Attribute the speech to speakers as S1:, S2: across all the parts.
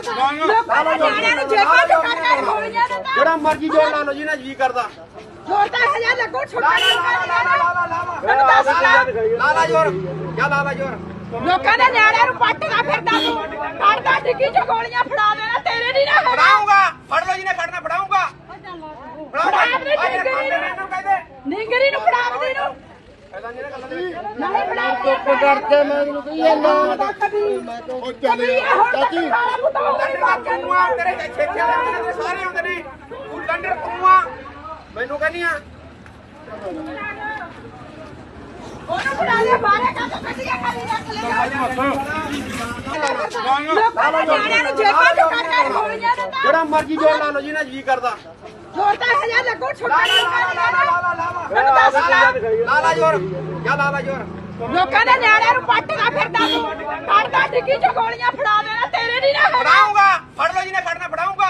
S1: ਜਿਹੜਾ ਮਰਜ਼ੀ ਜੋਰ ਲਾ ਲਓ ਜੀ ਨਾ ਜੀ ਕਰਦਾ
S2: ਜੋਰ ਤਾਂ ਹਜ਼ਾਰ ਲੱਗੋ ਛੁੱਟਾ
S1: ਲਾ ਜੋਰ ਕਿਆ ਲਾ ਜੋਰ
S2: ਲੋਕਾਂ ਦੇ ਨਿਆਣਿਆਂ ਨੂੰ ਪੱਟਦਾ ਫਿਰਦਾ ਤੂੰ ਕਰਦਾ ਡਿੱਗੀ ਚ ਗੋਲੀਆਂ ਫੜਾ ਦੇਣਾ ਤੇਰੇ ਨਹੀਂ ਨਾ
S1: ਫੜਾਉਂਗਾ ਫੜ ਲਓ ਜੀ ਨੇ ਫੜਨਾ ਫੜਾਉਂਗਾ
S2: ਨਿੰਗਰੀ ਨੂੰ ਫੜਾਵਦੀ ਨੂੰ ਨਹੀਂ ਫੜਾਵਦੀ
S3: ਚੁੱਪ ਕਰਕੇ ਮੈਂ ਇਹਨੂੰ ਕਹੀ ਜਾਂਦਾ ਉਹ ਚੱਲੇ ਚਾਚੀ
S1: ਤੇਰੇ ਛੇਕੇ ਵਾਲੇ ਸਾਰੇ ਆਉਂਦੇ ਨੇ ਤੂੰ ਲੰਡਰ ਤੂੰ ਆ ਮੈਨੂੰ ਕਹਿੰਦੀ ਆ
S2: ਉਹਨੂੰ ਫੜਾ ਦੇ ਬਾਰੇ ਕਾ ਤਾਂ ਕੱਢੀਆਂ ਖਾਲੀ ਰੱਖ ਲੈ ਲੋਕਾਂ ਦੇ ਨਿਆਣਿਆਂ ਨੂੰ ਜੇਬਾਂ ਚ ਕੱਢ ਕੇ ਗੋਲੀਆਂ ਦਿੰਦਾ
S1: ਜਿਹੜਾ ਮਰਜ਼ੀ ਜੋਰ ਲਾ ਲਓ ਜੀ ਨਾ ਜੀ ਕਰਦਾ
S2: ਜੋਰ ਤਾਂ ਹਜ਼ਾਰ ਲੱਗੋ ਛੁੱਟਾ
S1: ਲਾ ਜੋਰ ਕਿਆ ਲਾ ਜੋਰ
S2: ਲੋਕਾਂ ਦੇ ਨਿਆਣਿਆਂ ਨੂੰ ਪੱਟਦਾ ਫਿਰਦਾ ਤੂੰ ਕਰਦਾ ਡਿੱਗੀ ਚ ਗੋਲੀਆਂ ਫੜਾ ਦੇਣਾ ਤੇਰੇ ਨਹੀਂ ਨਾ
S1: ਫੜਾਉਂਗਾ ਫੜ ਲਓ ਜੀ ਨੇ ਫੜਨਾ ਫੜਾਉਂਗਾ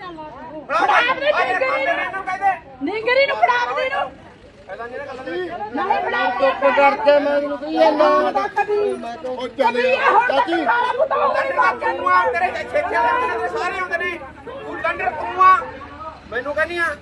S2: ਨਿੰਗਰੀ ਨੂੰ ਫੜਾਵਦੀ ਨੂੰ ਨਹੀਂ ਫੜਾਵਦੀ
S3: ਚੁੱਪ ਕਰਕੇ ਮੈਂ ਇਹਨੂੰ ਕਹੀ ਜਾਂਦਾ ਉਹ ਚੱਲੇ ਚਾਚੀ
S1: ਤੇਰੇ ਛੇਕੇ ਵਾਲੇ ਸਾਰੇ ਆਉਂਦੇ ਨੇ ਤੂੰ ਲੰਡਰ ਤੂੰ ਆ ਮੈਨੂੰ ਕਹਿੰਦੀ ਆ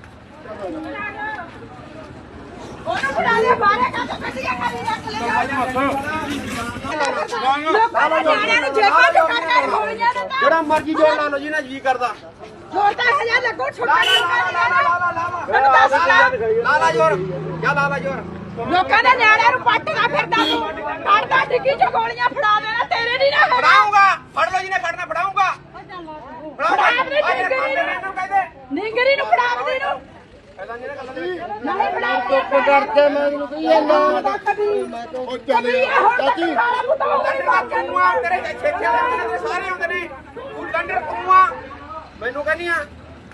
S2: ਉਹਨੂੰ ਫੜਾ ਦੇ ਬਾਰੇ ਕਾ ਤਾਂ ਕੱਢੀਆਂ ਖਾਲੀ ਰੱਖ ਲੈ ਲੋਕਾਂ ਦੇ ਨਿਆਣਿਆਂ ਨੂੰ ਜੇਬਾਂ ਚ ਕੱਢ ਕੇ ਗੋਲੀਆਂ ਦਿੰਦਾ
S1: ਜਿਹੜਾ ਮਰਜ਼ੀ ਜੋਰ ਲਾ ਲਓ ਜੀ ਨਾ ਜੀ ਕਰਦਾ
S2: ਜੋਰ ਤਾਂ ਹਜ਼ਾਰ ਲੱਗੋ ਛੁੱਟਾ
S1: ਲਾ ਜੋਰ ਕਿਆ ਲਾ ਜੋਰ
S2: ਲੋਕਾਂ ਦੇ ਨਿਆਣਿਆਂ ਨੂੰ ਪੱਟਦਾ ਫਿਰਦਾ ਤੂੰ ਕਰਦਾ ਡਿੱਗੀ ਚ ਗੋਲੀਆਂ ਫੜਾ ਦੇਣਾ ਤੇਰੇ ਨਹੀਂ ਨਾ
S1: ਫੜਾਉਂਗਾ ਫੜ ਲਓ ਜੀ ਨੇ ਫੜਨਾ ਫੜਾਉਂਗਾ
S2: ਨਿੰਗਰੀ ਨੂੰ ਫੜਾਵਦੀ ਨੂੰ ਨਹੀਂ ਫੜਾਵਦੀ
S3: ਚੁੱਪ ਕਰਕੇ ਮੈਂ ਇਹਨੂੰ ਕਹੀ ਜਾਂਦਾ ਉਹ ਚੱਲੇ ਚਾਚੀ
S1: ਤੇਰੇ ਛੇਕੇ ਵਾਲੇ ਸਾਰੇ ਆਉਂਦੇ ਨੇ ਤੂੰ ਲੰਡਰ ਤੂੰ ਆ ਮੈਨੂੰ ਕਹਿੰਦੀ ਆ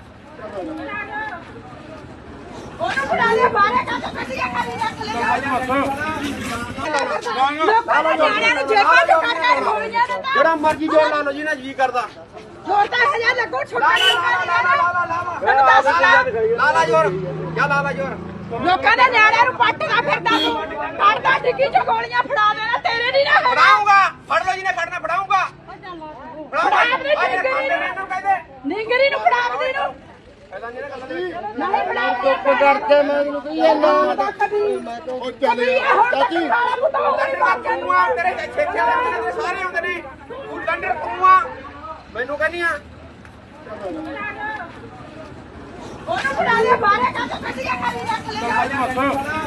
S2: ਉਹਨੂੰ ਫੜਾ ਦੇ ਬਾਰੇ ਕਾ ਤਾਂ ਕੱਢੀਆਂ ਖਾਲੀ ਰੱਖ ਲੈ ਲੋਕਾਂ ਦੇ ਨਿਆਣਿਆਂ ਨੂੰ ਜੇਬਾਂ ਚ ਕੱਢ ਕੇ ਗੋਲੀਆਂ ਦਿੰਦਾ
S1: ਜਿਹੜਾ ਮਰਜ਼ੀ ਜੋਰ ਲਾ ਲਓ ਜੀ ਨਾ ਜੀ ਕਰਦਾ
S2: ਜੋਰ ਤਾਂ ਹਜ਼ਾਰ ਲੱਗੋ ਛੁੱਟਾ
S1: ਲਾ ਜੋਰ ਕਿਆ ਲਾ ਜੋਰ
S2: ਲੋਕਾਂ ਦੇ ਨਿਆਣਿਆਂ ਨੂੰ ਪੱਟਦਾ ਫਿਰਦਾ ਤੂੰ ਕਰਦਾ ਡਿੱਗੀ ਚ ਗੋਲੀਆਂ ਫੜਾ ਦੇਣਾ ਤੇਰੇ ਨਹੀਂ ਨਾ
S1: ਫੜਾਉਂਗਾ ਫੜ ਲਓ ਜੀ ਨੇ ਫੜਨਾ ਫੜਾਉਂਗਾ
S2: ਨਿੰਗਰੀ ਨੂੰ ਫੜਾਵਦੀ ਨੂੰ ਨਹੀਂ ਫੜਾਵਦੀ
S3: ਚੁੱਪ ਕਰਕੇ ਮੈਂ ਇਹਨੂੰ ਕਹੀ ਜਾਂਦਾ ਉਹ ਚੱਲੇ ਚਾਚੀ
S1: ਤੇਰੇ ਛੇਕੇ ਵਾਲੇ ਸਾਰੇ ਆਉਂਦੇ ਨੇ ਤੂੰ ਲੰਡਰ ਤੂੰ ਆ ਮੈਨੂੰ ਕਹਿੰਦੀ ਆ
S2: ਉਹਨੂੰ ਫੜਾ ਦੇ ਬਾਰੇ ਕਾ ਤਾਂ ਕੱਢੀਆਂ ਖਾਲੀ ਰੱਖ ਲੈ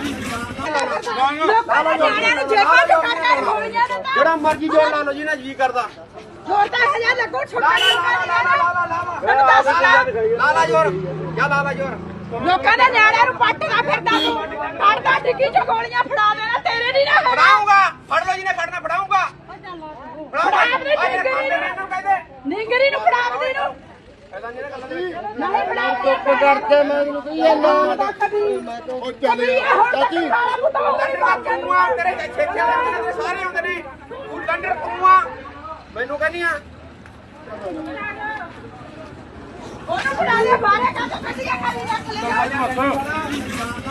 S2: ਲੋਕਾਂ ਦੇ ਨਿਆਣਿਆਂ ਨੂੰ ਜੇਬਾਂ ਚ ਕੱਢ ਕੇ ਗੋਲੀਆਂ ਦਿੰਦਾ
S1: ਜਿਹੜਾ ਮਰਜ਼ੀ ਜੋਰ ਲਾ ਲਓ ਜੀ ਨਾ ਜੀ ਕਰਦਾ
S2: ਜੋਰ ਤਾਂ ਹਜ਼ਾਰ ਲੱਗੋ ਛੁੱਟਾ
S1: ਲਾ ਜੋਰ ਕਿਆ ਲਾ ਜੋਰ
S2: ਲੋਕਾਂ ਦੇ ਨਿਆਣਿਆਂ ਨੂੰ ਪੱਟਦਾ ਫਿਰਦਾ ਤੂੰ ਕਰਦਾ ਡਿੱਗੀ ਚ ਗੋਲੀਆਂ ਫੜਾ ਦੇਣਾ ਤੇਰੇ ਨਹੀਂ ਨਾ
S1: ਫੜਾਉਂਗਾ ਫੜ ਲਓ ਜੀ ਨੇ ਫੜਨਾ ਫੜਾਉਂਗਾ
S2: ਨਿੰਗਰੀ ਨੂੰ ਫੜਾਵਦੀ ਨੂੰ ਨਹੀਂ ਫੜਾਵਦੀ
S3: ਚੁੱਪ ਕਰਕੇ ਮੈਂ ਇਹਨੂੰ ਕਹੀ ਜਾਂਦਾ ਉਹ ਚੱਲੇ ਚਾਚੀ
S1: ਤੇਰੇ ਛੇਕੇ ਵਾਲੇ ਸਾਰੇ ਆਉਂਦੇ ਨੇ ਤੂੰ ਲੰਡਰ ਤੂੰ ਆ ਮੈਨੂੰ ਕਹਿੰਦੀ ਆ
S2: ਉਹਨੂੰ ਫੜਾ ਦੇ ਬਾਰੇ ਕਾ ਤਾਂ ਕੱਢੀਆਂ ਖਾਲੀ ਰੱਖ ਲੈ